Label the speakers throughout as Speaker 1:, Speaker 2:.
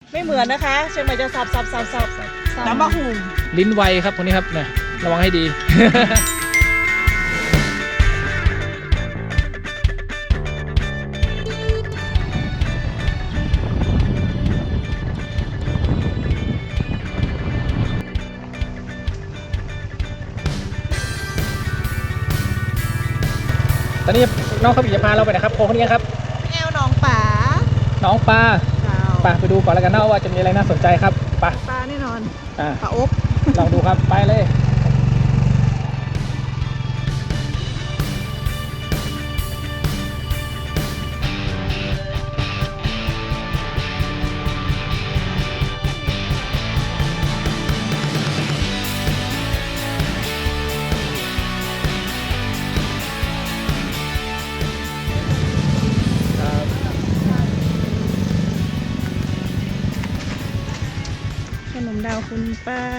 Speaker 1: ไม่เหมือนนะคะเชียงใหม่จะสับน้ำมะหุ่ม
Speaker 2: ลิ้นไวครับคนนี้ครับเนี่ยระวังให้ดี ตอนนี้น้องเขาจะพาเราไปนะครับโค้งคนนี้ครับ
Speaker 1: แอวหนองป๋า
Speaker 2: น้องปลา
Speaker 1: เจ้า
Speaker 2: ไปดูก่อนแล้วกันนะว่าจะมีอะไรน่าสนใจครับไป
Speaker 1: ปลาแน่นอน
Speaker 2: อ่า
Speaker 1: ปลาอบ
Speaker 2: ลองดูครับไปเลยครับ
Speaker 1: ขนมดาวคุณป้า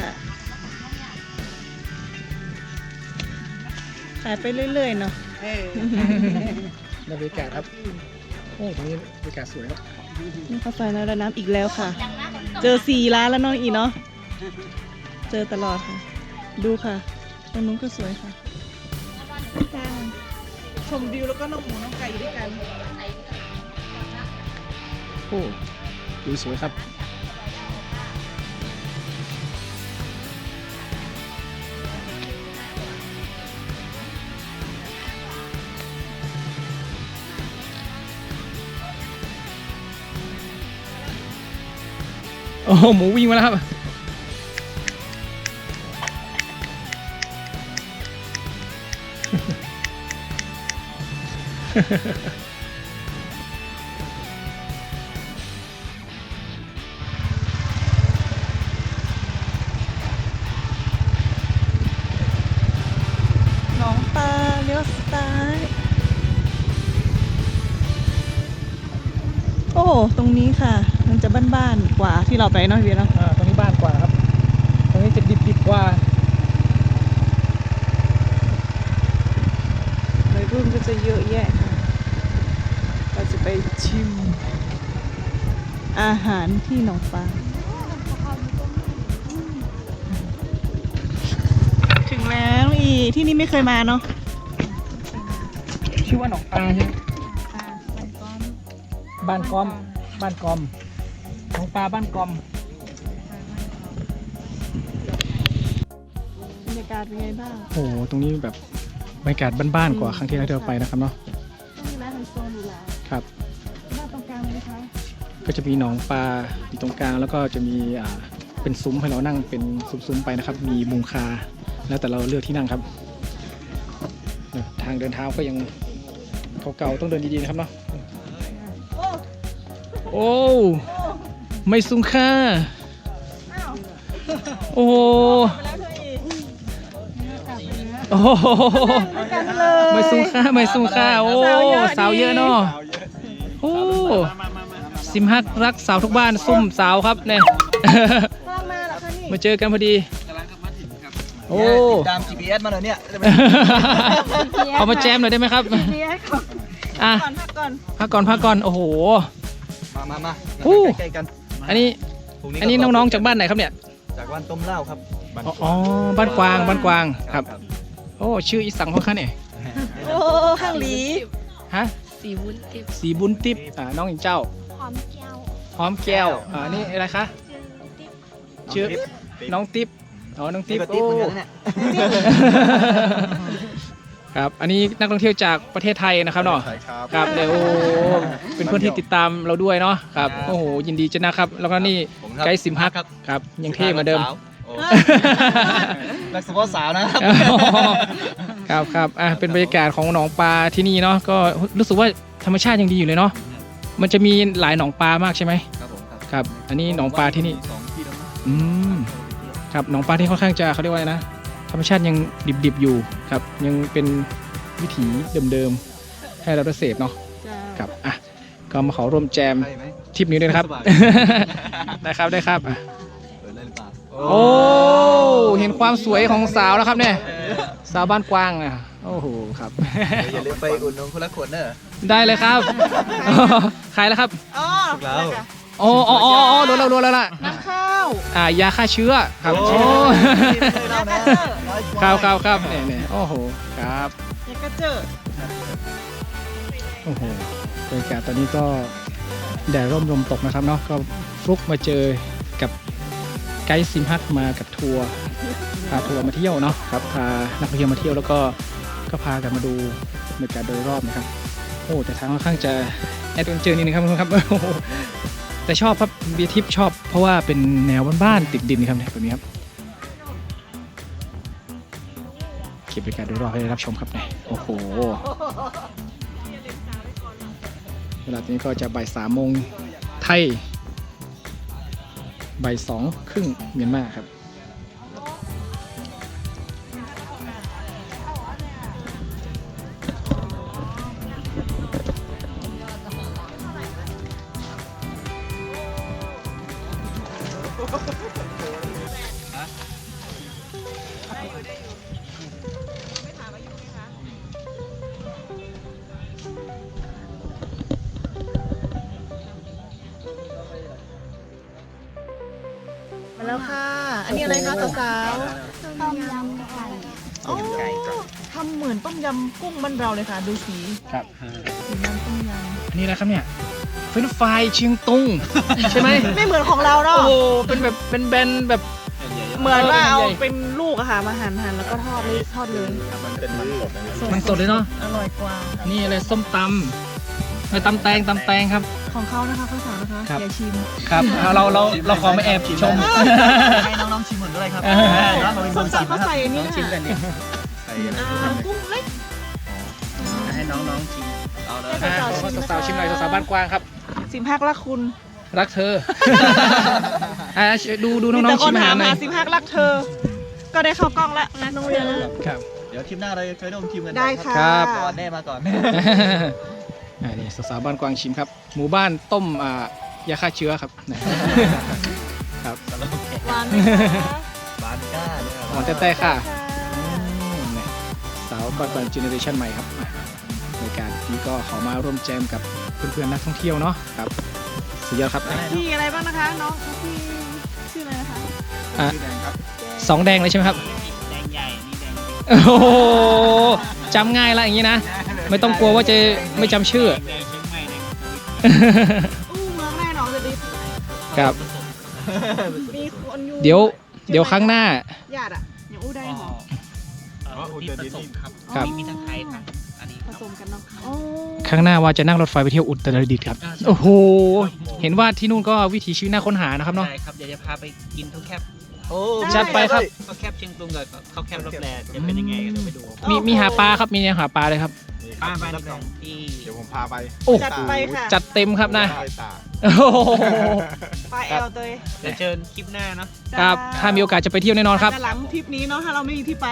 Speaker 1: ขายไปเรื่อยๆเนาะ
Speaker 2: บรรยากาศครับโอ้ตรงนี้บรรยากาศสวยครับ
Speaker 1: นี่ข้าวซอยน้ำอีกแล้วค่ะ เจอ4 ร้านแล้วน้องอีเนาะเจอตลอดค่ะ ดูค่ะตรงนู้นก็สวยค่ะชมวิวแล้วก็น้องหมูน้องไก่ด้วยกัน
Speaker 2: โอ้ดูสวยครับโอ้หมูวิ่งมาแล้วครับ
Speaker 1: หนองปลาเลี้ยวซ้ายโอ้ตรงนี้ค่ะ มันจะบ้านๆกว่าที่เราไปเนาะพี่เนาะ
Speaker 2: ตรงนี้บ้านกว่าครับ ตรงนี้จะดิบๆกว่า
Speaker 1: วัยรุ่นก็จะเยอะแยะค่ะเราจะไปชิม อาหารที่หนองปลาถึงแล้วอีที่นี่ไม่เคยมาเนาะ
Speaker 2: ชื่อว่าหนองปลาใช่ไหมบ้านกอมบ้านกอมหนองปลาบ้านกอม
Speaker 1: บรรยากาศเป็นไงบ้าง
Speaker 2: โอ้โหตรงนี้แบบบรรยากาศบ้านๆกว่าครั้งที่เราไปนะครับเนาะ
Speaker 1: ต้องมีร้านไฮโซอยู่แล้ว
Speaker 2: ครับ
Speaker 1: บ้านตรงกลางเลยคะ
Speaker 2: ก็จะมีหนองปลาอยู่ตรงกลางแล้วก็จะมีเป็นซุ้มให้เรานั่งเป็นซุ้มๆไปนะครับ มีมุงคาแล้วแต่เราเลือกที่นั่งครับทางเดินเท้าก็ยังเก่าๆต้องเดินดีๆนะครับเนาะโอ้ไม่ซุ้มค่า
Speaker 1: อ้าว
Speaker 2: โอ้โห
Speaker 1: ไปแล้วเธออีก
Speaker 2: โอ้โห
Speaker 1: กันเลย
Speaker 2: ไม่ซุ้มค่าไม่ซุ้มค่าโอ้
Speaker 1: สาวเยอะดิ
Speaker 2: สาวเยอะเนาะโอ้ซิมฮักรักสาวทุกบ้านซุ่มสาวครับเนี่ย
Speaker 1: กำลังมาเหรอคะนี่
Speaker 2: มาเจอกันพอดีโอ้
Speaker 3: ตาม GPS มาเลยเนี่ย
Speaker 2: เอามาแจมหน่อยได้ไหมครับ
Speaker 1: เรียกก่อน
Speaker 2: อ่ะ
Speaker 1: ก่อน
Speaker 2: พักก่อนโอ้โห
Speaker 3: มา
Speaker 2: อู้
Speaker 3: ใกล้ๆกัน
Speaker 2: อันนี้
Speaker 3: พรุ่
Speaker 2: อันนี้น้องๆจากบ้านไหนครับเนี่ย
Speaker 3: จากบ้านต้มเหล้าครับ
Speaker 2: อ๋อบ้านกวางครับโอ้ชื่ออีสังของข้าเนี่ย
Speaker 1: โอ้ข้างหลี
Speaker 2: ฮะ
Speaker 4: สีวุ้นติบ
Speaker 2: สีบุญทิพย์น้องอิงเจ้า
Speaker 4: หอมแก้ว
Speaker 2: หอมแก้วนี่อะไรคะ
Speaker 4: ชื่อติ๊บ
Speaker 2: ชื่อน้องติ๊บอ๋อน้อง
Speaker 3: ติ๊
Speaker 2: ติ๊
Speaker 3: บบ กับติ๊บ
Speaker 2: โอ้
Speaker 3: เหมือนกันนะเนี่ย
Speaker 2: ครับอันนี้นักท่องเที่ยวจากประเทศไทยนะครับเนาะ
Speaker 3: ใช่ครับ
Speaker 2: ครับเดี๋ยวโอ้เป็นเพื่อนที่ติดตามเราด้วยเนาะครับโอ้โหยินดีจังนะครับ แล้วก็นี่
Speaker 3: ผมครับ
Speaker 2: ไกด์ซิมฮักครับยังเท่เหมือนเดิม
Speaker 3: โอ้นักสปอร์ตสาวนะครับ
Speaker 2: ครับเป็นบรรยากาศของหนองปลาที่นี่เนาะก็รู้สึกว่าธรรมชาติยังดีอยู่เลยเนาะมันจะมีหลายหนองปลามากใช่ไหม
Speaker 3: ครับผม
Speaker 2: ครับอันนี้หนองปลาที่นี่
Speaker 3: สองที่แล้วมั้ง
Speaker 2: อืมครับหนองปลาที่ค่อนข้างจะเขาเรียกว่าอะไรนะธรรมชาติยังดิบๆอยู่ครับยังเป็นวิถีเดิมๆให้เราได้เสพเนาะครับอ่ะก็มาขอร่วมแจม
Speaker 3: ใช่ไหม
Speaker 2: ทริปนี้ด้วยนะครับ
Speaker 3: สบาย
Speaker 2: ได้ครับอ่ะ
Speaker 3: เปิดเลยหรือเปล่า
Speaker 2: โอ้เห็นความสวยของสาวแล้วครับเนี่ยสาวบ้านกวางอ่ะโอ้โหครับ
Speaker 3: อย่าลืมไปอุ่นนมคนละขวดเนอะ
Speaker 2: ได้เลยครับ ขายแล้วครับ
Speaker 1: อ๋อ
Speaker 3: พวกเรา
Speaker 2: โอ้โดเรารู้แล้วล่ะ
Speaker 1: น้ำข้าว
Speaker 2: ยาฆ่าเชื้อครับ
Speaker 3: โอ้
Speaker 2: โอ้
Speaker 1: ยากระเจอ
Speaker 2: ครับเนี่ยโอ้โหครับ
Speaker 1: ยากระเจอ
Speaker 2: โอ้โหบรรยากาศตอนนี้ก็แดดร่มลมตกนะครับเนาะก็ฟลุกมาเจอกับไกด์ซิมฮักมากับทัวร์พาทัวร์มาเที่ยวเนาะครับพานักท่องเที่ยวมาเที่ยวแล้วก็พากันมาดูบรรยากาศโดยรอบนะครับโอ้แต่ทางค่อนข้างจะแอดเวนเจอร์นิดนึงครับครับ โอ้โหแต่ชอบครับเบียร์ทิพย์ชอบเพราะว่าเป็นแนวบ้านๆติดดินครับเนี่ยแบบนี้ครับเก็บบรรยากาศโดยรอบให้ได้รับชมครับเนี่ยโอ้โหเวลานี้ก็จะบ่าย3 โมงไทยบ่าย2 ครึ่งเมียนมาครับ
Speaker 1: มาแล้วค่ะ อันนี้อะไรคะสาว
Speaker 4: ต้มยำไก่
Speaker 1: ๆโอ้ทำเหมือนต้มยำกุ้งบ้านเราเลยค่ะ ดูสี
Speaker 2: ครับ
Speaker 1: สีน้ำต้มย
Speaker 2: อันนี้อะไรครับเนี่ยเฟรนช์ฟรายเชียงตุงใช่ไหม
Speaker 1: ำไม่เหมือนของเราเนาะ
Speaker 2: โอ้โหเป็นแบบเป็นแบนแบบ
Speaker 1: เหมือนว่าเอา
Speaker 2: ใหญ่
Speaker 1: เป็นลูกอะค่ะมาหั่นแล้วก็ทอดเลย
Speaker 3: มันเป็นมันสดนะ
Speaker 2: มันสดเลยเนาะ
Speaker 1: อร่อยกว่า
Speaker 2: นี่อะไรส้มตำไปตำแตงครับ
Speaker 1: ของเขานะคะข้าวสาวนะคะ
Speaker 2: ครับ
Speaker 1: อย่าชิม
Speaker 2: ครับเราขอมาแอบชม
Speaker 3: ให้น้องๆชิมเหมือนด้วยครับ
Speaker 1: ส้มตำเขาใส่อันนี้นะคะ
Speaker 3: ใส่อะไร
Speaker 1: กุ้งเล็ก
Speaker 3: ให้น้องๆชิมเอาเลย
Speaker 2: สาวๆชิมหน่อยสาวๆบ้านกว้างครับ
Speaker 1: สิมฮักรักคุณ
Speaker 2: รักเธอ ดูน้องๆชิมอาหารหน่อย
Speaker 1: สิมฮักรักเธอ ก็ได้เข้ากล้องแล้วนะน้องเรียน
Speaker 2: ครับ
Speaker 3: เดี๋ยวคลิปหน้าเราเคยร่วมทีมกัน
Speaker 1: ได้ค่ะ
Speaker 2: ครับ
Speaker 3: ก่อนแน่มาก่อน
Speaker 2: นี่สาวๆบ้านกวางชิมครับ หมู่บ้านต้มยาฆ่าเชื้อครับครับ
Speaker 1: หวานไหมคะ
Speaker 3: บานก้าเนี่ย
Speaker 2: หมอนแต่ค่ะนี่สาวก่อนเจเนอเรชันใหม่ครับในการนี้ก็ขอมาร่วมแจมกับเพื่อนๆนักท่องเที่ยวเนาะครับสุดยอดครับ
Speaker 1: พี่อะไรบ้างนะคะ น้องพี่ชื่ออะไรนะคะ
Speaker 2: 2 แดงเลยใช่ไหมครับ
Speaker 3: แดงใหญ่นี่แดง
Speaker 2: โอ้โหจำง่ายละอย่างนี้นะ ไม่ต้องกลัวว่าจะไม่จำชื่อ
Speaker 3: แดงเชียงใหม่แดง
Speaker 1: อู้เมืองแม่น้องจะดี
Speaker 2: ครับ
Speaker 1: มีคนอยู่
Speaker 2: เดี๋ยวครั้งหน้า
Speaker 1: ญาติอะอย่างอู้ได้หรอ
Speaker 3: ที่ผสมครับ
Speaker 2: ครับ
Speaker 3: มีทั้งไทยทั้งอันนี้
Speaker 1: ผสมกันเนาะโอ้
Speaker 2: ครั้งหน้าว่าจะนั่งรถไฟไปเที่ยวอุตรดิตถ์ครับ โอ้โห เห็นว่าที่นู่นก็วิถีชีวิตน่าค้นหานะครับเนาะ
Speaker 5: ใช่ครับ เดี๋ยวจะพาไปกินข้าวแคบ
Speaker 3: โอ้
Speaker 2: จัดไปครับ
Speaker 5: ข้าวแคบเชียงตุงกับข้าวแคบรับแลจะเป็นยังไงเดี๋ยวไปดู
Speaker 2: มีหาปลาครับ มีแนวหาปลาเลยครับ
Speaker 5: ป้าบ้านของที่
Speaker 3: เดี๋ยวผมพาไป
Speaker 2: โอ้
Speaker 1: จัดไปค่ะ
Speaker 2: จัดเต็มครับนะ
Speaker 3: ไปตาก
Speaker 2: โอ้โห
Speaker 1: ปลาแอลเตย
Speaker 5: เดี๋ยวเชิญคลิปหน้าเนาะ
Speaker 2: ครับ ถ้ามีโอกาสจะไปเที่ยวแน่นอนครับ
Speaker 1: แต่หลังทริปนี้เนาะถ้าเราไม่มีที่ไป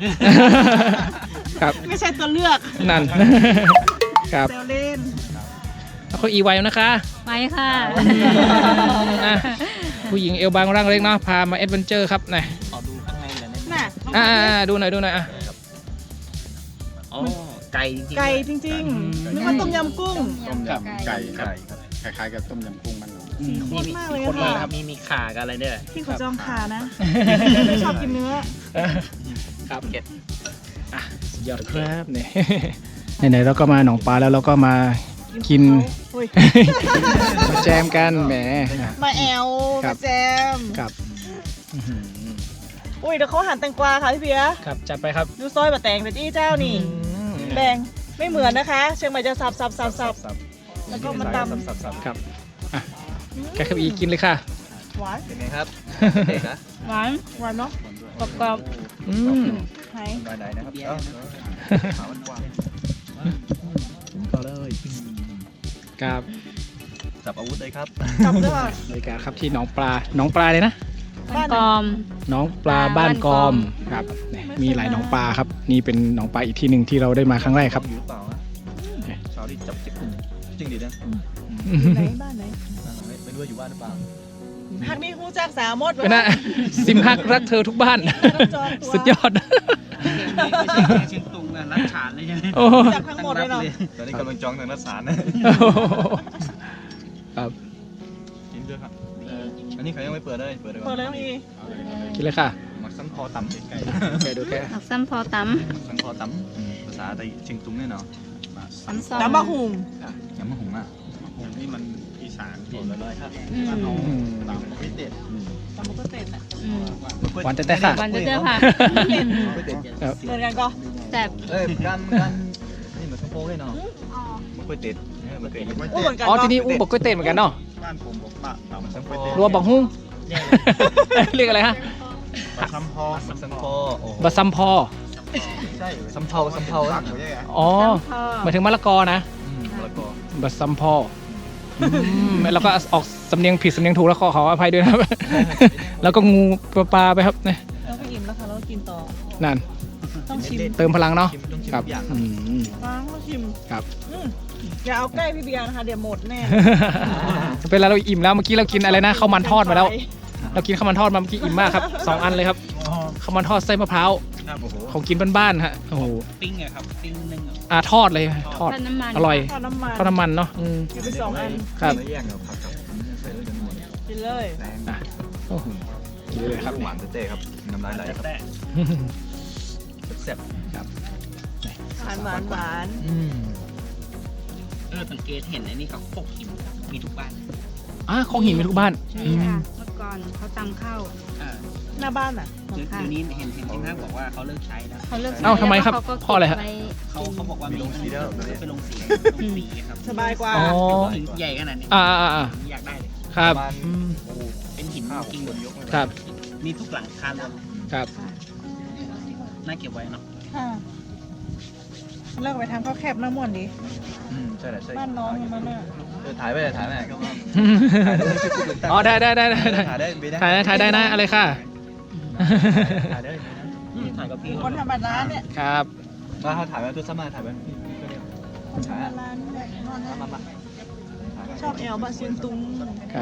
Speaker 2: ครับ
Speaker 1: ไม่ใช่ตัวเลือก
Speaker 2: นั่น ครับ
Speaker 1: เซลเล่น
Speaker 2: แล้วก็อีไวนะคะ
Speaker 4: ไปค่ะ
Speaker 2: อ่ะผู้หญิงเอวบางร่างเล็กเนาะ พามาแอดเวนเจอร์ครับนะ
Speaker 5: ขอดูข้างในหน่อยได้ไหม
Speaker 1: น่ะ
Speaker 2: ดูหน่อยอ่ะ
Speaker 5: อ๋อไก่จริงๆ
Speaker 1: ไก่จริงๆนึกว่าต้มยำกุ้ง
Speaker 3: ต้มยำไก่ครับคล้ายๆกับต้มยำกุ้งมัน
Speaker 1: สีข้นมากเลย
Speaker 5: คน
Speaker 1: อะ
Speaker 5: เลยค
Speaker 1: ค่ะ
Speaker 5: รับมีขากับอะไรด้วย
Speaker 1: พี่เขาจองขานะไม่ชอบกินเนื้อ
Speaker 2: ครับเก็ตอ่ะสุดยอดครับเนี่ย ไหนๆเราก็มาหนองปลาแล้วเราก็มากิน
Speaker 1: โอ้ย
Speaker 2: มาแจมกันแหม
Speaker 1: มาแอล
Speaker 2: ครั
Speaker 1: มา
Speaker 2: บ
Speaker 1: แจม
Speaker 2: ครับอื้อหือ
Speaker 1: อุ้ยเดี๋ยวเขาหั่นแตงกวาค่ะพี่เบียร์
Speaker 2: ครับจัดไปครับ
Speaker 1: ดูซอยบะแตงแต่จี้เจ้านี่ แบ่งไม่เหมือนนะคะ เชียงใหม่จะสับแล้วก็มาตำ
Speaker 2: ครับอ่ะแกขับอีกินเลยค่ะ
Speaker 1: หวาน
Speaker 3: เป็นไงครับเด็กนะ
Speaker 1: หวานเนาะกรอบ
Speaker 2: อืม
Speaker 1: ๆไหน
Speaker 3: ไปไหนนะครับขาวมันกว้าง
Speaker 2: ก็เลยครับ
Speaker 3: จับอาวุธเลยครับ
Speaker 1: จับด้วยค่ะ
Speaker 2: บรรยากาศครับที่หนองปลาเลยนะ
Speaker 1: บ้าน
Speaker 4: กอม
Speaker 2: หนองปลาบ้านกอมครับเนี่ยมีหลายหนองปลาครับ นี่เป็นหนองปลาอีกที่หนึ่งที่เราได้มาครั้งแรกครับ
Speaker 3: อยู่หรือเปล่าฮะเช้าที่จับจิ๊บจริงดิเนี่ย
Speaker 1: ไหนบ้านไหน
Speaker 3: ไม่รู้ว่าอยู่บ้านหรือเปล่า
Speaker 1: ฮักนี่ฮู้จักสาวมด
Speaker 2: ก็น่าซิมฮักรักเธอทุกบ้าน สุดยอด
Speaker 5: ไม่ใช่เชียงตุงนะรัดฉานเลยใช่ไหม
Speaker 2: โอ้
Speaker 1: จักทั้งหมดเลยเนาะ
Speaker 3: ตอนนี้กำลังจองทางนัดสารนะ
Speaker 2: ครับ
Speaker 3: กินด้วยครับอันนี้เขายังไม่เปิดเลยเปิดเลย
Speaker 1: เปิดเลยน้องอี
Speaker 2: กินเลยค่ะ
Speaker 3: มักซ้ำคอต่ำไก่
Speaker 2: แกดูแก
Speaker 4: หมักซ้ำพอต
Speaker 3: ซ้ำคอต่ำภาษาไทยเชียงตุงเนี่ยเนาะ
Speaker 4: ำซ้ำซ้อม
Speaker 1: น้ำบะหุง
Speaker 3: ยำมะฮุงอ่ะ
Speaker 5: ผมนี่มันอีสานผมเลยครับ
Speaker 3: ต่ำไม่เด็ด
Speaker 1: ตำมุกก็เต็มอ่ะ
Speaker 2: หวานแต่ค่ะ
Speaker 4: วันเจอค่ะ
Speaker 3: ไม่เด็ด
Speaker 2: ครับ
Speaker 1: เหมือนกันก็
Speaker 4: แต่
Speaker 3: เอ้ยกันนี่เหมือนข้าวโพดเลยเนาะมันกล้วยเด็ดมันกล้วยเด็ด
Speaker 1: โอ้เหมือนกัน
Speaker 2: อ๋อที่นี่อู้บอกกล้วยเต้นเหมือนกันเนาะ
Speaker 5: บ้านผมบอกปะต่ำซ้ำพอ
Speaker 2: รัวบอกหุ้งเรียกอะไรฮะ
Speaker 5: ซ้ำพอ
Speaker 3: มันซ้ำคอโอ้
Speaker 2: บะซัมพอ
Speaker 3: ใช่ซ้ำเทาซ้ำเทา
Speaker 5: ตักอยู่ยังไง
Speaker 2: อ๋อหมายถึงมะละกอนะ
Speaker 3: แล้วก็
Speaker 2: บะซัมพอแล้วก็ออกสำเนียงผิดสำเนียงถูกแล้วขออภัยด้วยนะครับ แล้วก็งูปลาไปครับเนี่ย
Speaker 1: แล้วก็อิ่มแล้วค่ะแล้วก็กินต่อ
Speaker 2: นั่น
Speaker 1: ต้องชิม
Speaker 2: เติมพลังเนาะ
Speaker 3: ต้องชิม
Speaker 2: ครับ
Speaker 3: ทุกอย่าง
Speaker 2: อืม
Speaker 1: ฟังต้องชิม
Speaker 2: ครับ
Speaker 1: อย่าเอาใกล้พี่เบียร์นะคะเดี๋ยวหมดแน่
Speaker 2: เป็นไรเราอิ่มแล้วเมื่อกี้เรากินอะไรนะข้าวมันทอดมาแล้ว เรากินข้าวมันทอดมาเมื่อกี้อิ่มมากครับ2 อันเลยครับข้าวมันทอดไส้มะพร้าว
Speaker 5: ครับโอ้โห
Speaker 2: ของกินบ้านๆฮะโอ้โห
Speaker 5: ปิ้งอะครับปิ้งนึ่งอะ
Speaker 2: ทอดเลยทอด
Speaker 4: ทอดน้ำมัน
Speaker 2: อร่อย
Speaker 1: ทอดน้ำมัน
Speaker 2: ทอดน้ำมันเนาะ
Speaker 1: กินไป2 อัน
Speaker 2: ครับ
Speaker 3: ไม่แยกเนาะผักกับใส่ด้วยกันหมด
Speaker 1: กินเลย
Speaker 3: แรง
Speaker 2: อ่ะโอ้โหกินเลยครับ
Speaker 3: หวานเต้ๆครับน้ำลายไหลครับ
Speaker 5: แต่
Speaker 3: แซ่บ
Speaker 1: หวานหวานหวาน
Speaker 5: สังเกตเห็นไอ้นี่เขาโคกหินมีทุกบ้าน
Speaker 2: ของหินมีทุกบ้าน
Speaker 4: ใช่ค่ะเมื่อก่อนเขาตำข้าว
Speaker 1: หน้าบ้านอ่ะ
Speaker 5: เดี๋ยวนี้เห็นที่ห้างบอกว่าเขาเลิกใช้แล้ว
Speaker 4: เขาเลิก
Speaker 2: เอ้าทำไมครับ
Speaker 4: แล้วก็
Speaker 2: เพราะอะไรฮะ
Speaker 4: เก็บว้
Speaker 5: เขาบอกว่ามีไปลงสีครับ
Speaker 1: สบายกว่า
Speaker 2: อ๋อ
Speaker 5: หินใหญ่ขนาดนี้
Speaker 2: อ่า
Speaker 5: อยากได้เลย
Speaker 2: ครับ
Speaker 3: ประมาณ
Speaker 2: อืม
Speaker 3: โอ้
Speaker 5: เป็นหิน
Speaker 3: ข้าว
Speaker 5: จริง
Speaker 3: คนยกเลย
Speaker 2: ครับ
Speaker 5: มีทุกหลังคาเลย
Speaker 2: ครับ
Speaker 5: น่าเก็บไว้เนาะ
Speaker 1: ค่ะเลิกไปทำข้าวแคบน้ำมันดิ
Speaker 3: ใช่แหละใช่
Speaker 1: บ้านน้องมันน่ะ
Speaker 3: ถ่ายไปเลยถ่ายไปก็ว่า
Speaker 2: อ๋อได้
Speaker 3: ถ่ายได้เบนะ
Speaker 2: ถ่ายได้นะอะไรค่ะ
Speaker 3: ถ่ายได้
Speaker 5: ถ่ายกับพี่
Speaker 1: คนธรรมดาเนี่ย
Speaker 2: ครับ
Speaker 3: มาเขาถ่ายไปตัวซ้ำมาถ่ายไปถ่าย
Speaker 1: ร้านเนี่ยนอนนะ
Speaker 3: มา
Speaker 1: ชอบแอลบะเซียนตุง
Speaker 2: ครับ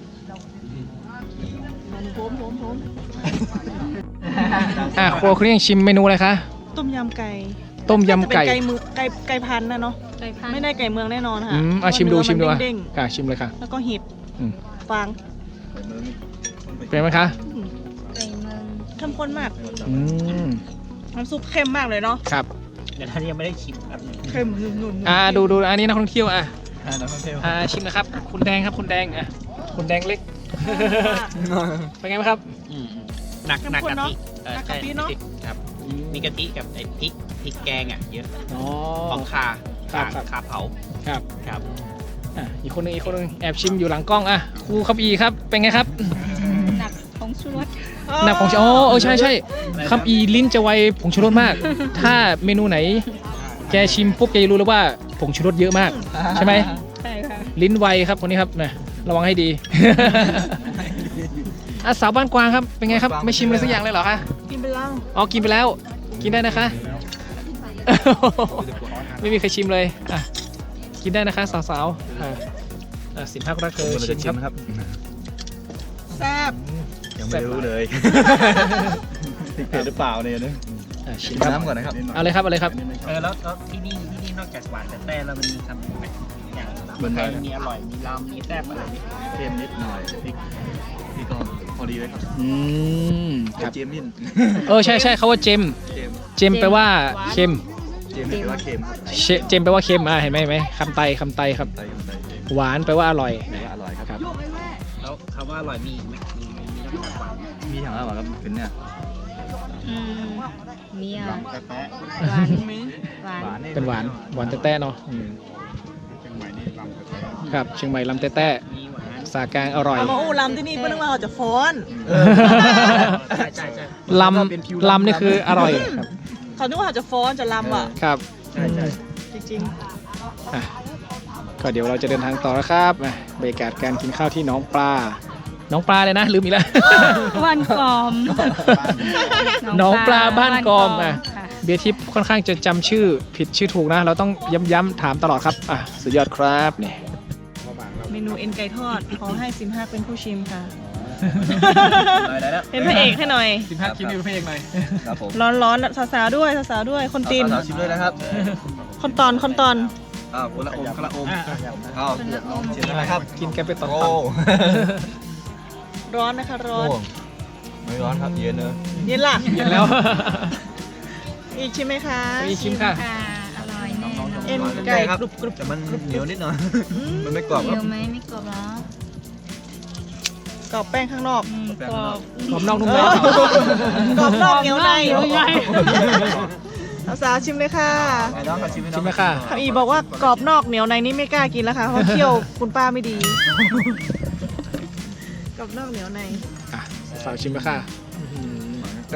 Speaker 1: มันโผม
Speaker 2: ครัวคุณยังชิมเมนูอะไรคะ
Speaker 1: ต้มยำไก่
Speaker 2: ต้มยำไก่
Speaker 1: น่าจะเป็นไก่พันธุ์นะเนาะ
Speaker 4: ไก่พันธุ์
Speaker 1: ไม่ได้ไก่เมืองแน่นอนค่ะ
Speaker 2: ชิมดูชิมดู
Speaker 1: เด้ง
Speaker 2: ค่ะชิมเลยค่ะ
Speaker 1: ๆแล้วก็เห็ด
Speaker 2: อืม
Speaker 1: ฟาง
Speaker 2: เป็นไหมคะ
Speaker 4: ไก่เมือง
Speaker 1: เข้มข้นมาก
Speaker 2: อืม
Speaker 1: น้ำซุปเข้มมากเลยเนาะ
Speaker 2: ครับ
Speaker 5: เดี๋ยวท่านยังไม่ได้ชิมครับ
Speaker 1: เข้มนุ่น
Speaker 2: ดูอันนี้นักท่องเที่ยว
Speaker 3: นักท่องเที่ยว
Speaker 2: ชิมนะครับ คุณแดงครับคุณแดงคุณแดงเล็ก เป็นไงบ้างครับ
Speaker 5: หนักกะทิ
Speaker 1: นักกะปิเนาะ
Speaker 5: ครับมีกะทิกับไอ้พริกแกงอ่ะเยอะ
Speaker 2: อ๋อ
Speaker 5: ของคา
Speaker 2: ครับ
Speaker 5: คาเผา
Speaker 2: ครับ
Speaker 5: ครับ
Speaker 2: อีกคนหนึงแอบชิมอยู่หลังกล้องครูครับอีครับเป็นไงครับ
Speaker 4: หนักของชูรส
Speaker 2: หนักผงชูใช่ครับอีลิ้นจะไวผงชูรสมาก ถ้าเมนูไหน แกชิมปุ๊บแกจะรู้แล้วว่าผงชูรสเยอะมาก ใช่ไหม
Speaker 4: ใช่ค่ะ
Speaker 2: ลิ้นไวครับคนนี้ครับนะระวังให้ดี สาวบ้านกวางครับเป็นไงครับไม่ชิมเลยสักอย่างเลยเหรอคะ
Speaker 1: กินไปแล้ว
Speaker 2: กินไปแล้วกินได้นะคะ ไม่มีใครชิมเลยกินได้นะคะสาวๆสินพักรักเธอ
Speaker 3: เราจะ
Speaker 2: ชิ
Speaker 3: ชิ
Speaker 2: ม
Speaker 3: ม
Speaker 2: ครับ
Speaker 3: ครับ
Speaker 1: แซ่บ
Speaker 3: ยังไม่รู้เลยพริกเผ็ดหรือเปล่าเนี่ยนะ
Speaker 2: ชิ
Speaker 3: ชิ
Speaker 2: ม
Speaker 3: ม
Speaker 2: ครับ
Speaker 3: น้ำก่อนนะครับ
Speaker 2: เอาเลยครับเอาเลยครับ
Speaker 5: แล้วที่นี่นอกจากหวานแต่แล้วมันมีคำอย่างมีอร่อยมีลำมีแซ่บอะไรนี่
Speaker 3: เค็มนิดหน่อยพริกก็พอดีเลยครับ
Speaker 2: ครับ
Speaker 3: เจมนิด
Speaker 2: ใช่เขาว่าเจมแปลว่าเค็ม
Speaker 3: เจมแปลว่าเค็ม
Speaker 2: เจมแปลว่าเค็มเห็นไหมคำไต
Speaker 3: ไตไต
Speaker 2: หวานแปลว่าอร่อย
Speaker 3: แปลว่าอร่อยครับ
Speaker 5: แล้วคำว่าอร่อยมีอีกไหมมีนอกจากหวาน
Speaker 3: มีอย่างไรบ้างครับเป็นเนี่ย
Speaker 4: มีอ่ะ
Speaker 5: แป๊ะ
Speaker 4: หวานหวาน
Speaker 2: เป็นหวานแต้ๆเนาะครับเชียงใหม่ลำแต้
Speaker 5: มีหวาน
Speaker 2: ๆสากลางอร่อย
Speaker 1: เอามาอู้ลำที่นี่เพื่อนว่าเขาจะฟ้อน
Speaker 5: ใช่
Speaker 2: ลำนี่คืออร่อยครับ
Speaker 1: เขาคิดว่าเขาจะฟ้อนจะลำอ่ะ
Speaker 2: ครับ
Speaker 3: ใช่
Speaker 1: จริง
Speaker 2: ก็เดี๋ยวเราจะเดินทางต่อแล้วครับบรรยากาศการกินข้าวที่หน้องปลาเลยนะลืมอีกแล้ว
Speaker 4: บ้านกอม
Speaker 2: หนองปลาบ้านกอม
Speaker 4: ค่ะ
Speaker 2: เบียร์ทิพย์ค่อนข้างจะจำชื่อผิดชื่อถูกนะ เราต้องย้ำถามตลอดครับสุดยอดครับนี่
Speaker 1: ๆ เมนูเอ็นไก่ทอด ขอให้ซิมฮักเป็นผู้ชิมค่ะ
Speaker 3: ได้แล้ว
Speaker 1: เป็นพระเอกให้หน่อย
Speaker 2: 15 คลิปนี้เป็นเพลงหน่อย
Speaker 3: ครับผม
Speaker 1: ร้อนๆสาวๆด้วยสาวๆด้วย คนตีน
Speaker 3: สาวชิมเลยนะครับ
Speaker 1: คนตอน
Speaker 3: คนละอมชิมนะครับ
Speaker 2: กินกันไปต่อ
Speaker 3: โอ้
Speaker 1: ร้อนนะคะร้อน
Speaker 3: โอ้ไม่ร้อนครับเย็นเนอะ
Speaker 1: เย็นล่ะ
Speaker 2: เย็นแล้ว
Speaker 1: อีกใช่ไหมคะ
Speaker 2: ไปชิมค่ะ
Speaker 4: ค่ะอร่อยแน่นอน
Speaker 1: เอ็น
Speaker 3: ร้อน
Speaker 1: ไก่
Speaker 3: ครับ
Speaker 1: กรุบกรุบ
Speaker 3: แต่มันเหนียวนิดหน่อย มันไม่กรอบค
Speaker 4: เดี
Speaker 3: รับ
Speaker 4: ยวไหมไม่กรอบหรอก
Speaker 1: รอบแป้งข้างนอก
Speaker 4: กรอบ
Speaker 2: กรอบนอกนุ่มใน
Speaker 1: กรอบนอกเหนียวใน
Speaker 4: เหนียวใน
Speaker 1: สาวๆชิมเลยค่ะ
Speaker 3: ไอ้น้องกับชิมให้น้
Speaker 2: ชิ
Speaker 3: อง
Speaker 2: มไหมค่ะ
Speaker 1: คำอีบอกว่ากรอบนอกเหนียวในนี่ไม่กล้ากินแล้วค่ะ เพราะเคี่ยวคุณป้าไม่ดี กรอบนอกเหนียวใน
Speaker 2: อ่ะสาวชิมไหมค่ะอื้อหือก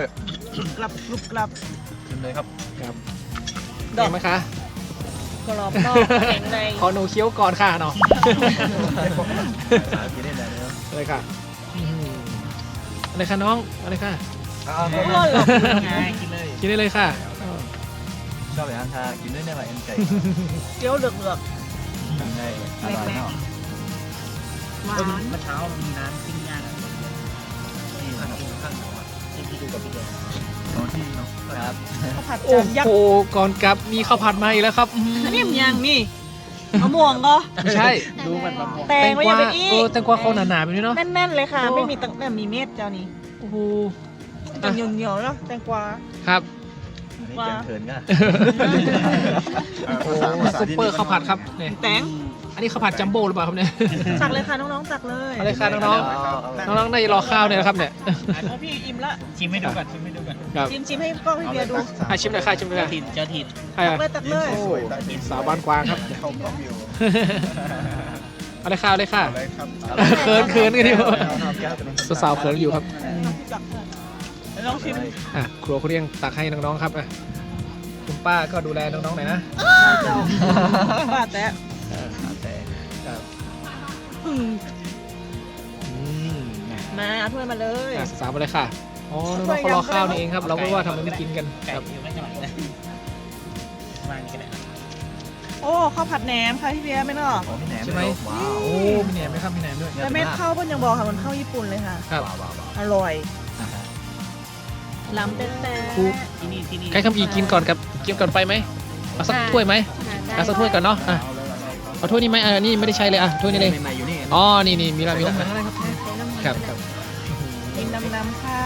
Speaker 1: ลับกรุบกลับ
Speaker 3: ชิมเลยครับ
Speaker 2: ครับ
Speaker 1: ดอก
Speaker 2: เห็นไหมคะ
Speaker 1: กรอบนอกแข็งใน
Speaker 2: ขอหนูเคี้ยวก่อนค่ะเนาะ
Speaker 3: สาธิตได้เลยนะครับ
Speaker 2: อะไรค่ะอื้อหืออะไรคะน้องอะไรค่ะ
Speaker 3: เอา
Speaker 1: ร้อนหรอก
Speaker 5: กินเลย
Speaker 2: กินได้เลยค่ะ
Speaker 3: ชอบแบบนั้นทากินด้วยได้ไหมเอ็นไก่
Speaker 1: เกี๊ยวเหลือก
Speaker 3: ทำได้อร่อยเนาะ
Speaker 1: ๆหวาน
Speaker 5: เมื่อเช้ามีน้ำปิ้งย่างนี่ข้างที่ดูกับพี่เดช
Speaker 3: ตอนที่เนาะครับ
Speaker 1: ข้าวผัด
Speaker 2: โอ้
Speaker 1: จานยัก
Speaker 2: โห
Speaker 1: ษ์
Speaker 2: ก่อนกลับมีข้าวผัดมาอีกแล้วครับอื้อหือ
Speaker 1: อันนี้มันยังนี่มะม่วงก็
Speaker 2: ไม่ใช่
Speaker 5: ดูมันมะม่วง
Speaker 1: แตงไว้ยังเป็นอี
Speaker 2: แตงกวาเขาหนาๆแบบนี้เนาะ
Speaker 1: แน่นๆเลยค่ะ
Speaker 2: โอ้
Speaker 1: ไม่มีตังแบบมีเม็ดเจ้านี้
Speaker 2: โอ้โห
Speaker 1: จะเหนียวๆแล้วแตงกวา
Speaker 2: ครับ
Speaker 3: อันนี้แกงเถินก็
Speaker 2: โอ้โหซุปเปอร์ข้าวผัดครับเนี่ย
Speaker 1: แตง
Speaker 2: อันนี้ข้าวผัดจัมโบ้หรือเปล่าครับเนี่ย
Speaker 1: ตักเลยค่ะน้องๆตักเลย
Speaker 2: เอาเลยค่ะน้องๆ น้องๆน่าจะรอข้าวเนี่ยนะครับเนี่ย
Speaker 1: เอาพี่อิ่มละ
Speaker 5: ชิมให้ดูก่อนชิมให้ดูก่อน
Speaker 2: ครับ
Speaker 1: ชิมให้กล้องพี่เบียร์ดู
Speaker 2: อ่ะชิมหน่อยค่ะชิมหน่อย
Speaker 5: เจ้า
Speaker 2: ค่ะ
Speaker 5: ถิ่นเจ้าถิ่น
Speaker 2: ใคร
Speaker 1: ตั
Speaker 2: อ่ะ
Speaker 1: กเลยตักเลย
Speaker 2: โอ้สาวบ้านกวางครับ
Speaker 3: เข้ากล้องอยู่
Speaker 2: เอาเลยค่ะเอาเลยค่ะเขินกันดิสาวๆเขินอยู่ครับ
Speaker 1: ตักเลยลองชิม
Speaker 2: อ่ะครัวคุณเรียงตักให้น้องๆครับอ่ะคุณป้าก็ดูแลน้องๆหน่อยนะ
Speaker 1: เจ้าป้าแตะ
Speaker 3: แต่
Speaker 2: ครับ
Speaker 1: อืม
Speaker 2: อืม
Speaker 1: มาเอาถ้วยมาเลย
Speaker 2: อ่ะสาวๆมาเลยค่ะอ๋อน้องๆเขารอข้าวนี่เองครับ เราก็ว่าทำไมไม่กินกัน
Speaker 5: ไก่
Speaker 2: ครับ
Speaker 5: อยู่ไม่หน่อยนะวางกันเลย
Speaker 1: โอ้ข้าวผัดแหนมค่ะพี่เบียร์ไม่เนอะ
Speaker 3: ของพี่แหนม
Speaker 2: ใช่ไหม
Speaker 3: ว้าว
Speaker 2: โอ้มีแหนมไหมครับมีแหนมด้วย
Speaker 1: แต่เม็ดข้าวเพิ่นยังบอกค่ะเหมันข้าวญี่ปุ่นเลยค่ะ
Speaker 2: ครับ
Speaker 1: อร่อยล้ำแต่
Speaker 2: ครู
Speaker 5: ที่นี่
Speaker 2: ใครคำอีกินก่อนกับกินก่อนไปไหมเอาสักถ้วยไหมเอาสักถ้วยก่อนเนาะอ่ะเอาถ้วยนี้ไหมนี่ไม่ได้ใช้เลยอ่ะถ้วยนี้เลย
Speaker 3: ใหม่ๆอยู่นี่
Speaker 2: อ๋อนี่มีแล้วมีแล้วครับครับ
Speaker 1: กินดำๆค่ะ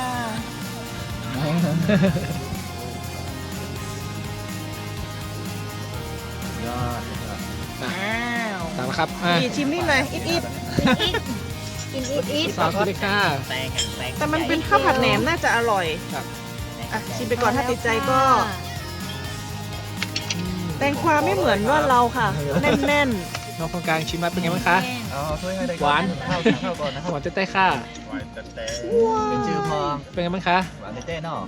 Speaker 3: ยอด
Speaker 1: อ้าว
Speaker 2: สั่งแล้วครับอ่ะ
Speaker 1: อีชิมนี่หน่อยอิด
Speaker 4: กินอีท
Speaker 2: สาวกินเลยค่ะ
Speaker 5: แตงแตง
Speaker 1: ๆแต่มันเป็นข้าวผัดแหนมน่าจะอร่อย
Speaker 2: ครับ
Speaker 1: อ่ะชิมไปก่อนถ้าติดใจก็ แตงกวาไม่เหมือนว่าเราค่ะ แน่น
Speaker 2: น้องคนกลางชิมแล้วเป็นไงบ้างคะ
Speaker 3: เอาถ้วยให้ได้
Speaker 2: หวาน
Speaker 3: ข้าวก่อนนะค
Speaker 2: ห
Speaker 3: รับ
Speaker 2: วานเต้ๆค่ะ
Speaker 3: เป็นชื่อพอง
Speaker 2: เป็นไงบ้างคะ
Speaker 3: หวานเต้ๆเนาะ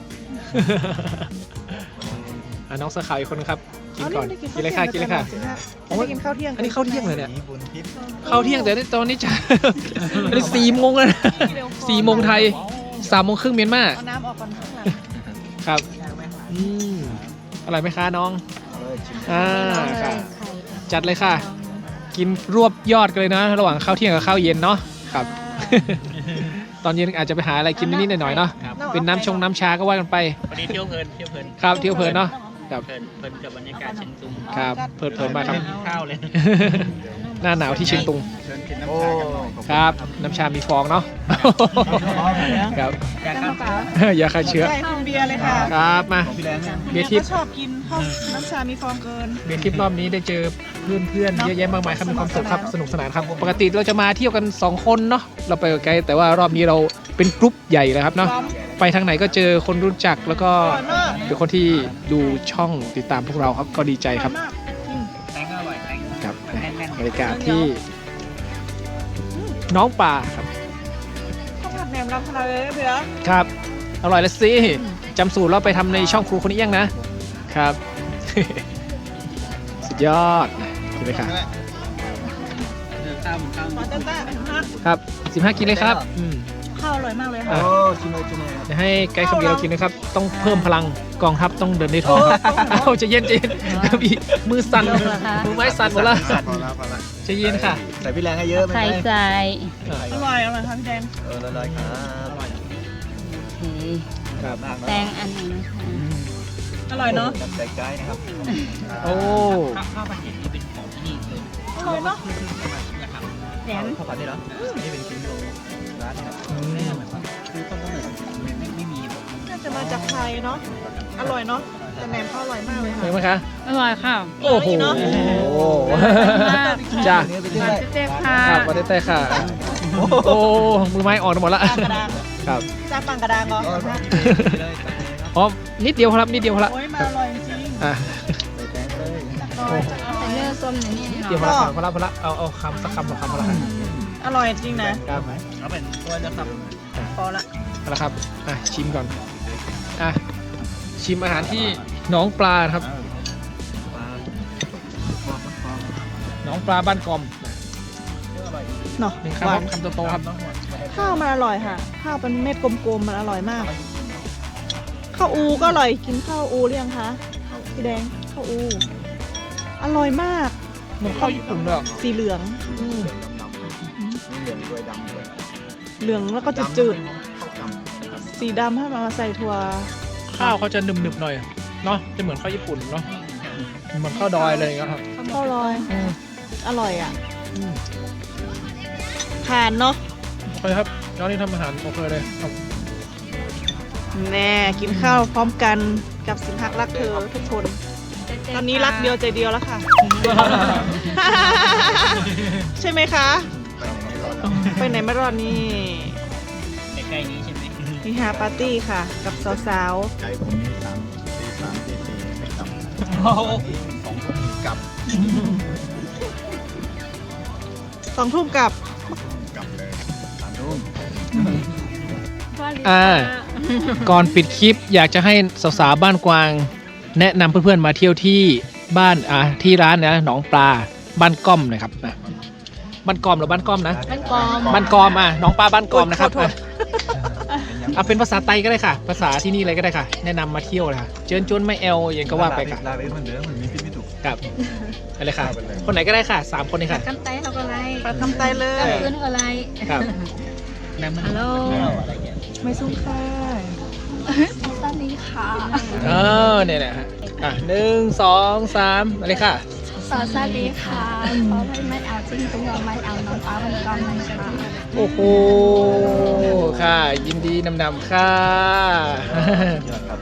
Speaker 2: อ่ะน้องเสื้อขาวอีกคนนึงครับ
Speaker 1: ๆ
Speaker 2: กินก่อน กินเลยค่ะกินเลยค่ะ
Speaker 1: ไม่ได้กินข้าวเที่ยง
Speaker 2: อันนี้ข้าวเที่ยงเลยเนี่ย
Speaker 3: มีบุญทิพย์
Speaker 2: เข้าเที่ยงแต่ตอนนี้จะ อันนี้4 โมงแล้วนะ4 โมงไทย3 โมงครึ่งเมียนมา
Speaker 1: เอาน้ำออกก่อนข้างหลัง
Speaker 2: ครับอืมอร่อยไหมคะน้อง
Speaker 3: เอาเลยชิม
Speaker 2: อ่า
Speaker 4: เอาเลย
Speaker 2: ค่ะ
Speaker 4: ไข่
Speaker 2: จัดเลยค่ะ กินรวบยอดกันเลยนะ ระหว่างข้าวเที่ยงกับข้าวเย็นเนาะครับ ตอนเย็นอาจจะไปหาอะไรกินนิดๆหน่อยๆเนาะเป็นน้ำชาก็ว่ากันไป
Speaker 5: วันนี้เที่ยวเพลินเที่ยวเพลิน
Speaker 2: ครับเที่ยวเพลินเนาะครับ
Speaker 5: เพลินกับบรรยากาศเชียงตุง
Speaker 2: ครับเพลินๆมากครับ
Speaker 5: กินข้าวเลย
Speaker 2: หน้าหนาวที่เชียงตุง
Speaker 3: เชิญกินน้ำชากันหน่อย
Speaker 2: ครับ น้ำชามีฟองเนาะ ครับ
Speaker 5: อยากกัน
Speaker 2: อย่าฆ่าเชื้อ
Speaker 1: ใช่คุณเบียร์เลยค่ะ
Speaker 2: ครับมา
Speaker 3: ของพี่แดงเนี่ย
Speaker 2: เบียร์ทิพ
Speaker 1: ก็
Speaker 2: ย์
Speaker 1: ชอบกินข้าวน้ำชามีฟองเกิน
Speaker 2: เบียร์ทิพย์รอบนี้ได้เจอเพื่อนๆเยอะแยะมากมายครับมีความสุขครับสนุกสนานครับปกติเราจะมาเที่ยวกัน2 คนเนาะเราไปไกลแต่ว่ารอบนี้เราเป็นกรุ๊ปใหญ่เลยครับเนาะไปทางไหนก็เจอคนรู้จักแล้วก็
Speaker 1: อร่อยมาก
Speaker 2: เป็นคนที่ดูช่องติดตามพวกเราครับก็ดีใจครับ
Speaker 1: ออยมากอืม
Speaker 5: แตงก็อร่อยแตง
Speaker 2: ครับ
Speaker 5: แน่น
Speaker 2: บรรยากาศที่น้องป่าครับ
Speaker 1: ข้าวผัดแหนมรำขนาดเลยนะเบียร์
Speaker 2: ครับอร่อยแล้วสิจำสูตรเราไปทำในช่องครูคนนี้ยังนะครับ สุดยอดกินเลยค่ะ
Speaker 5: ๆข้าวเหมือนข้าว
Speaker 1: ขอเต้นๆฮะ
Speaker 2: ครับ15กินเลยครับ
Speaker 1: ข้าวอร่อยมากเลย
Speaker 3: โอ้
Speaker 1: ค่ะ
Speaker 3: ชิมเลยชิมเลย
Speaker 2: เดี๋ยวให้ไกด์คำเดียวเรากินนะครับ ต้องเพิ่มพลังกองทัพต้องเดินได้ท้องเอาใจะเย็นพี่มือสั่นมือไม้สั่นหมดแล้ว
Speaker 3: พอแล้วพอแล้ว
Speaker 2: ใจะเย็นค่ะ
Speaker 3: ใส่พี่แรงให้เยอะไหม
Speaker 4: ไข่ใส่
Speaker 1: อร่อยอร่อยค่ะพี่แดง
Speaker 3: ละลายครับ
Speaker 4: โอเค
Speaker 2: ครับ
Speaker 3: มาก
Speaker 4: แตงอันหนึ่งนะคะ
Speaker 1: อร่อยเนาะ
Speaker 3: ใส่ไก่นะครับ
Speaker 2: โอ้
Speaker 5: ข้าวผัดเห็ดนี่เป็นของที่นี่เลย
Speaker 1: อร่อยเนาะ
Speaker 4: แหนม
Speaker 3: ข้าวผัดนี่เหรอนี่เป็นชิ้นโลร้านเนี่ย
Speaker 5: คือต้นกำเนิดไม่มีหรอก
Speaker 1: น่าจะมาจากไทยเนาะอร่อยเนาะแต่แหนมเขาอร่อยมากเลย
Speaker 2: เห็
Speaker 1: ค่ะ
Speaker 2: นไหมคะ
Speaker 4: อร่อยค่ะ
Speaker 2: โอ้โห
Speaker 1: เนอะ
Speaker 2: จ้า
Speaker 3: เนื้อไปที่
Speaker 4: ห
Speaker 3: ไห
Speaker 4: วาน นเจ๊ๆค่ะ
Speaker 2: ครับมาได้แต่ค่ะ โอ้มือไม้อ่อนหมดละ
Speaker 1: ปางกระดาง
Speaker 2: ครับ
Speaker 1: จ้าปางกระดางเหรอ
Speaker 2: อ๋อนิดเดียวครับนิดเดียวครับ
Speaker 1: โอ้ยมาอร่อยจริง
Speaker 2: อ่ะ
Speaker 3: ใส่แตงเลย
Speaker 4: แต่เนื้อส้มอย่างนี้
Speaker 2: นิด
Speaker 4: เนาะ
Speaker 2: เดียวพอละเอาคำสักคำสองคำพอละครับ
Speaker 1: อร่อยจริงนะ
Speaker 2: ครับ
Speaker 5: เอาเป็นตัวจะสับ
Speaker 1: พอละ
Speaker 2: เอาละครับอ่ะชิมก่อนอ่ะชิมอาหารที่หนองปลานะครับหนองปลาบ้านกอม
Speaker 1: เนาะ
Speaker 2: หนึ่ง
Speaker 1: หวาน
Speaker 2: คำโตๆครับ
Speaker 1: ข้าวมันอร่อยค่ะ ข้าวเป็นเม็ดกลมๆมันอร่อยมาก ข้าวอูก็อร่อยกินข้าวอูหรือยังคะพี่แดงข้าวอู อร่อยมาก
Speaker 2: เหมือนข้าวญี่ปุ่นเลยอ่ะ
Speaker 1: สีเหลือง
Speaker 3: เหลืองด้วยดำด้วย
Speaker 1: เหลืองแล้วก็จะจืด
Speaker 3: ข้าวกำ
Speaker 1: สีดำถ้ามาใส่ถั่ว
Speaker 2: ข้าวเขาจะหนึบๆหน่อยเนาะจะเหมือนข้าวญี่ปุ่นเนาะเหมือนข้าวดอยเลยครับ
Speaker 1: ข้าวลอย อร่อยอ่ะผ่านเนาะ
Speaker 2: โอเคครับย้อนนี้ทำอาหารโอเคเลยครับ
Speaker 1: แน่กินข้าวพร้อมกันกับสินหักรักเธอทุกคน ตอนนี้รักเดียวใจเดียวแล้วค่ะ ใช่ไหมคะ ไปไหนไม่รอดนี่
Speaker 5: ใกล้ๆนี้ใช่ไหม
Speaker 1: มีฮาปาร์ตี้ค่ะ กับสาว
Speaker 3: ใจผมนี่ตี 3 ไม่กลับ
Speaker 5: โอ้โห
Speaker 3: 2 ทุ่มกลับ
Speaker 1: ๆ2 ทุ่มกลับ
Speaker 3: กลับเลย3 ทุ่ม
Speaker 2: ก่อนปิดคลิปอยากจะให้สาวๆบ้านกวาง แนะนำเพื่อนๆมาเที่ยวที่บ้านที่ร้านนะหนองปลาบ้านก้อมหนะครับนะบ้านกอมหรือบ้านก้อมนะ
Speaker 4: บ้านกอม
Speaker 2: บ้านกอมหนองปลาบ้านกอมนะครับ
Speaker 1: โทษ
Speaker 2: เอาเป็นภาษาไทยก็ได้ค่ะ ภาษาที่นี่เลยก็ได้ค่ะ แนะนำมาเที่ยวเลยค่ะเจิญจวนไม่แอลอย่างก็ว่าไปค่ะ
Speaker 3: ลาไปเหมือนเดิมมันมีพิษไม่ถูก
Speaker 2: ครับอะไรค่ะ คนไหนก็ได้ค่ะ3คนเลยค่ะ
Speaker 4: กันไตเขาก็ไร
Speaker 1: ปลาทำไตเล
Speaker 4: กัน
Speaker 1: ย
Speaker 4: พื้นก็ไร
Speaker 2: ครับ
Speaker 4: ฮัลโหล
Speaker 1: ไม่ซุ้มค่ะ
Speaker 4: สวัสดีค่ะ
Speaker 2: เนี่ยแหละฮะ1 2 3อะไรค่ะ
Speaker 4: สวัสดีค่ะขอไม่เอาจริงเป็นยอมไม่เอาน้องป้าเป็นกอมนะคะ
Speaker 2: โอ้โหค่ะ ยินดีนำค่ะ
Speaker 3: ยอดครับ